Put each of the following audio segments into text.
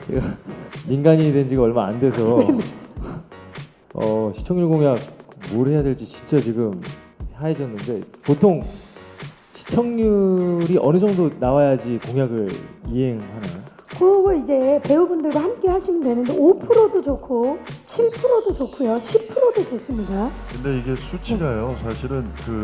제가 민간인이 된 지가 얼마 안 돼서 시청률 공약 뭘 해야 될지 진짜 지금 하얘졌는데, 보통 시청률이 어느 정도 나와야지 공약을 이행하나요? 그거 이제 배우분들과 함께 하시면 되는데 5%도 좋고 7%도 좋고요, 10%도 좋습니다. 근데 이게 수치가요, 사실은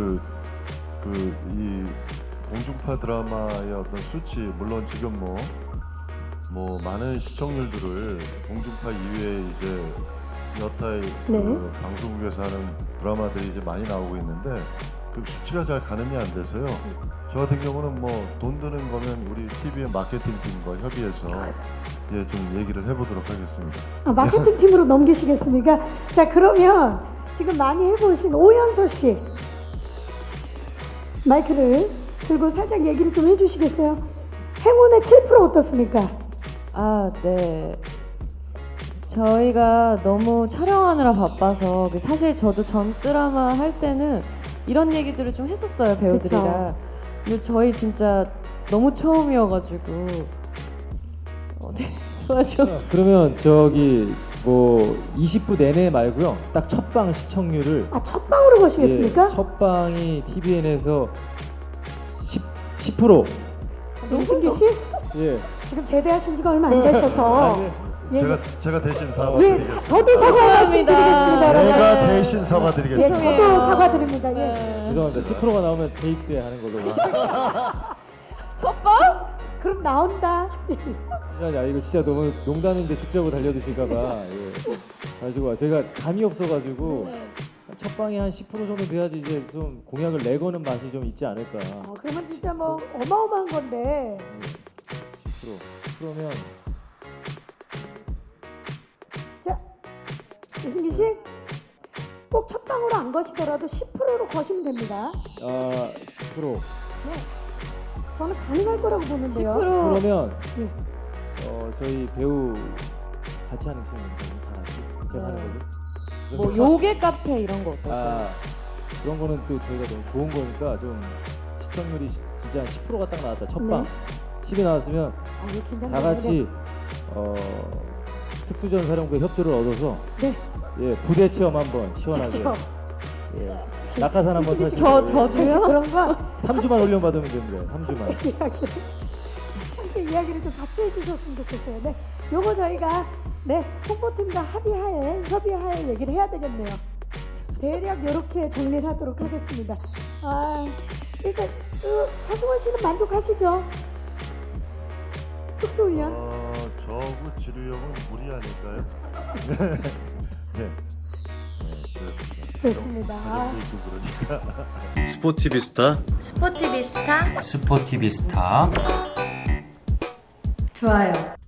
이 공중파 드라마의 어떤 수치, 물론 지금 뭐 많은 시청률들을 공중파 이외에 이제 여타의 그 방송국에서 하는 드라마들이 이제 많이 나오고 있는데 그 수치가 잘 가늠이 안 돼서요. 저 같은 경우는 뭐 돈 드는 거면 우리 TV의 마케팅 팀과 협의해서 좀 얘기를 해보도록 하겠습니다. 마케팅 팀으로 넘기시겠습니까? 자, 그러면 지금 많이 해보신 오연서 씨 마이크를 들고 살짝 얘기를 좀 해주시겠어요? 행운의 7% 어떻습니까? 네. 저희가 너무 촬영하느라 바빠서 사실 저도 전 드라마 할 때는 이런 얘기들을 좀 했었어요, 배우들이랑. 그쵸? 근데 저희 진짜 너무 처음이어가지고 네, 도와줘. 그러면 저기 뭐 20부 내내 말고요, 딱 첫방 시청률을 첫방으로 보시겠습니까? 첫방이 TVN에서 10%. 이승기 씨? 예. 지금 제대하신 지가 얼마 안 되셔서 제가 대신 사과드리겠습니다. 저도 사과 말씀드리겠습니다. 제가 대신 사과드리겠습니다. 저도 사과드립니다. 죄송합니다. 10%가 나오면 테이크에 하는 걸로. 첫방? 그럼 나온다. 야, 이거 진짜 너무 농담인데 죽자고 달려드실까봐. 가지고 제가 감이 없어가지고 첫 방에 한 10% 정도 돼야지 이제 좀 공약을 내거는 맛이 좀 있지 않을까. 그러면 진짜 뭐 어마어마한 건데. 10%. 그러면 자, 이승기 씨, 꼭 첫 방으로 안 거시더라도 10%로 거시면 됩니다. 10%. 네. 저는 가능할 거라고 보는데요. 10%. 그러면 저희 배우 같이 하는 친구들 다 같이 제가 하는 거죠. 뭐 요괴 카페 이런 거 어떨까요? 그런 거는 또 저희가 너무 좋은 거니까 좀 시청률이 진짜 한 10%가 딱 나왔다. 첫방 10이 나왔으면 다 같이 특수전사령부의 협조를 얻어서 부대 체험 한번 시원하게. 낙하산 한번 타시고. 저도요? 그런 거 3주만 훈련 받으면 됩니다. 3주만. 이야기를 좀 같이 해주셨으면 좋겠어요. 네, 요거 저희가 홍보팀과 협의하에 얘기를 해야 되겠네요. 대략 이렇게 정리를 하도록 하겠습니다. 일단 차승원 씨는 만족하시죠? 특수훈련? 저하고 지루형은 무리 아닐까요? 네. 좋습니다. 스포티비스타 스포티비스타 스포티비스타 좋아요.